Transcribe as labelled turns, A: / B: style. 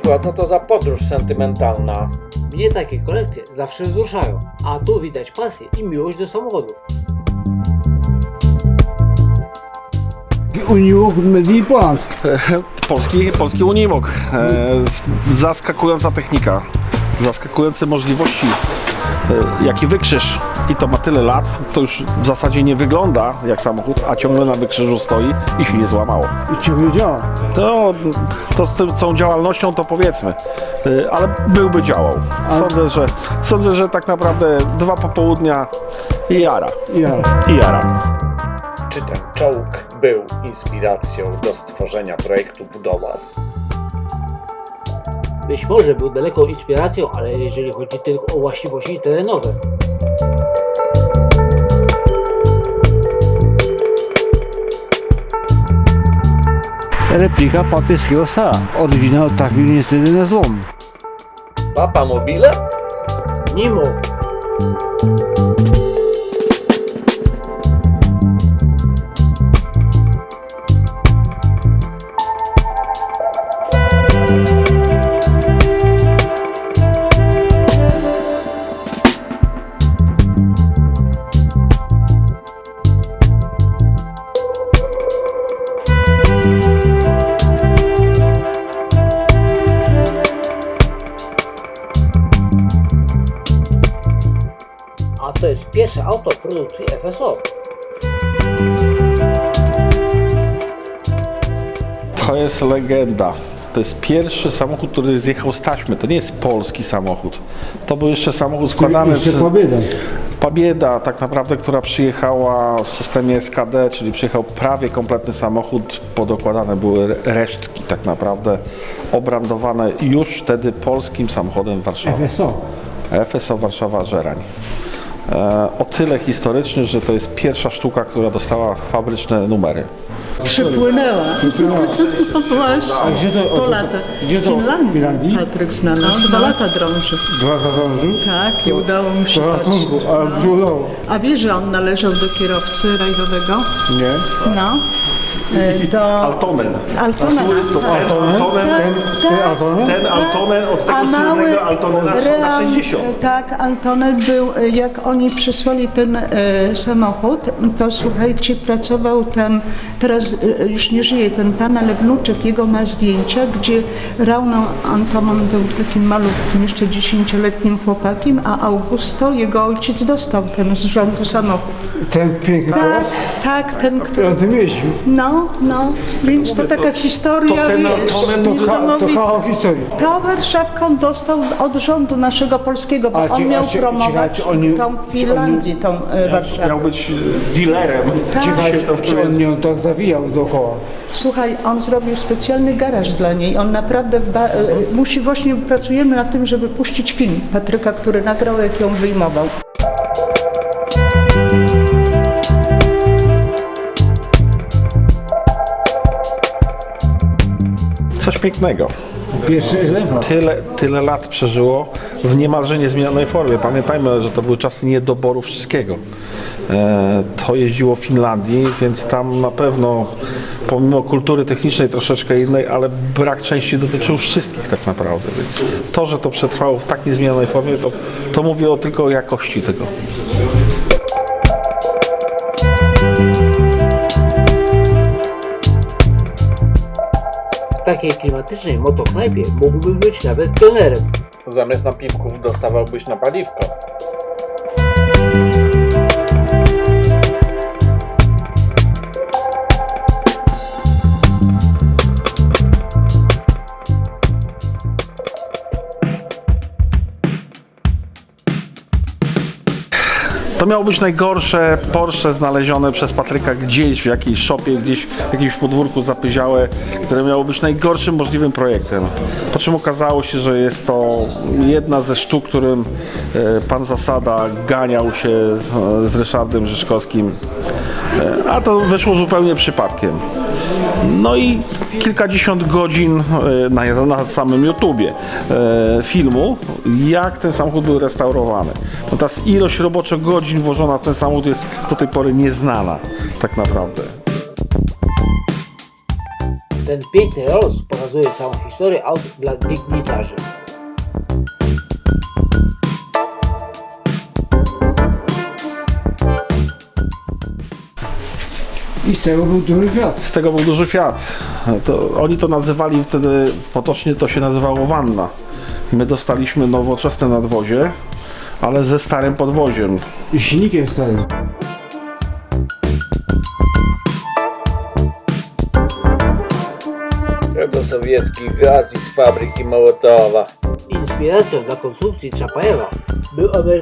A: przykład, co to za podróż sentymentalna?
B: Mnie takie kolekcje zawsze wzruszają, a tu widać pasję i miłość do samochodów.
C: Unimog Made Poland.
D: Polski Unimog. Zaskakująca technika, zaskakujące możliwości. Jaki wykrzyż, i to ma tyle lat, to już w zasadzie nie wygląda jak samochód, a ciągle na wykrzyżu stoi i się nie złamało.
C: I ciągle działa.
D: To z tą działalnością to powiedzmy, ale byłby działał. Sądzę, że tak naprawdę 2 popołudnia i jara. I jara.
A: Czy ten czołg był inspiracją do stworzenia projektu Budowas?
B: Być może był daleką inspiracją, ale jeżeli chodzi tylko o właściwości terenowe.
C: Replika papieskiego Sara. Oryginał trafił niestety na złom.
A: Papa Mobile?
B: Nimo. A to jest pierwsze auto produkcji FSO.
D: To jest legenda. To jest pierwszy samochód, który zjechał z taśmy. To nie jest polski samochód. To był jeszcze samochód składany
C: Jeszcze
D: przez
C: Pobieda.
D: Pabieda, tak naprawdę, która przyjechała w systemie SKD, czyli przyjechał prawie kompletny samochód. Podokładane były resztki tak naprawdę, obrandowane już wtedy polskim samochodem Warszawy.
C: FSO.
D: FSO Warszawa Żerań. O tyle historyczny, że to jest pierwsza sztuka, która dostała fabryczne numery.
E: Przypłynęła. No właśnie,
C: A gdzie to?
E: po latach.
C: Gdzie to?
E: W
C: W Finlandii?
E: Patryk zna nas. 2 lata drąży.
C: 2 lata dążył?
E: Tak, i udało mu się
C: To
E: chodzić.
C: ratunku, ale brzudało.
E: A wiesz, że on należał do kierowcy rajdowego?
C: Nie.
E: No. Do
D: Altonen.
E: Altonena.
D: Ten Altonen od tego słynnego Altonena 360.
E: Tak, Altonen był, jak oni przysłali ten samochód, to słuchajcie, pracował tam, teraz już nie żyje ten pan, ale wnuczek jego ma zdjęcia, gdzie Rauno Antonon był takim malutkim, jeszcze 10-letnim chłopakiem, a Augusto, jego ojciec, dostał ten z rządu samochód.
C: Ten piękny
E: Tak,
C: teraz?
E: tak, ten, który...
C: On tym jeździł.
E: No, więc to taka historia,
D: ten
E: wiesz,
D: Altonen
C: To
E: niesamowita.
C: kawał historii.
E: Ta Warszawka on dostał od rządu naszego polskiego, bo on miał promować tą Finlandię, tą Warszawę.
D: Miał być dealerem.
E: Tak.
C: Czy on nią tak zawijał dookoła?
E: Słuchaj, on zrobił specjalny garaż dla niej. On naprawdę właśnie pracujemy nad tym, żeby puścić film Patryka, który nagrał, jak ją wyjmował.
D: Coś pięknego.
C: Pierwszy egzemplarz.
D: Tyle lat przeżyło w niemalże niezmienionej formie. Pamiętajmy, że to były czasy niedoboru wszystkiego. To jeździło w Finlandii, więc tam na pewno, pomimo kultury technicznej troszeczkę innej, ale brak części dotyczył wszystkich tak naprawdę. Więc to, że to przetrwało w tak niezmienionej formie, to mówi tylko o jakości tego.
B: W takiej klimatycznej motoknajpie mógłbym być nawet trenerem.
A: Zamiast napiwków dostawałbyś na paliwko.
D: To miało być najgorsze Porsche znalezione przez Patryka gdzieś w jakiejś szopie, gdzieś w jakimś podwórku zapyziałe, które miało być najgorszym możliwym projektem. Po czym okazało się, że jest to jedna ze sztuk, którym pan Zasada ganiał się z Ryszardem Rzeszkowskim, a to wyszło zupełnie przypadkiem. No i kilkadziesiąt godzin na samym YouTubie filmu, jak ten samochód był restaurowany. No ta ilość roboczo godzin włożona w ten samochód jest do tej pory nieznana tak naprawdę.
B: Ten piękny roz pokazuje całą historię aut dla dygnitarzy.
C: I z tego był duży świat.
D: Z tego był duży Fiat. Oni to nazywali wtedy, potocznie to się nazywało wanna. My dostaliśmy nowoczesne nadwozie, ale ze starym podwoziem.
C: I silnikiem starym.
A: Sowiecki gaz z fabryki Mołotowa.
B: Inspiracją dla konstrukcji Czapajewa był